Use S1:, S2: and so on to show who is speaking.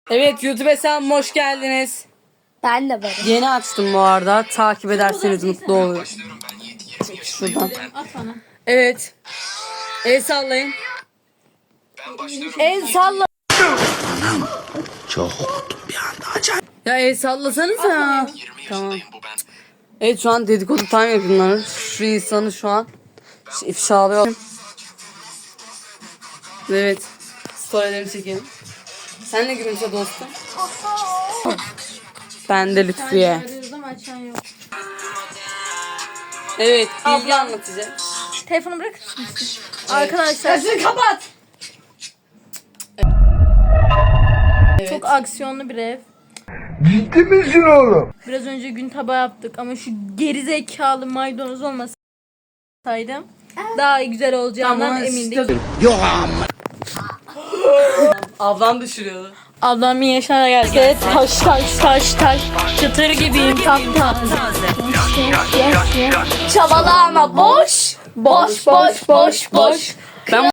S1: Evet, YouTube hesabıma hoş geldiniz.
S2: Ben de varım.
S1: Yeni açtım bu arada. Takip ederseniz mutlu olurum. Şuradan. Evet. El sallayın. El salla.
S3: Çok korktum bir anda. Acayip.
S1: Ya el sallasanıza. Tamam. Evet, şu an dedikodu time yapıyorlar. Şu insanı şu an ifşalıyor. Evet. Storylerimi çekelim. Sen ne gülümse dostum? Ben de Lütfiye. Evet, bilgi anlatacak.
S2: Telefonu bırakır mısın? Arkadaşlar
S1: Sesini kapat.
S2: çok aksiyonlu bir ev.
S3: Ciddi misin oğlum?
S2: Biraz önce gün tabağı yaptık ama şu gerizekalı maydanoz olmasaydı daha güzel olacağından emindik.
S3: Yok amma.
S1: Ablam düşürüyordu.
S2: Ablam bir yaşına gelse taş çıtır gibiyim taptaze. Çabalama boş.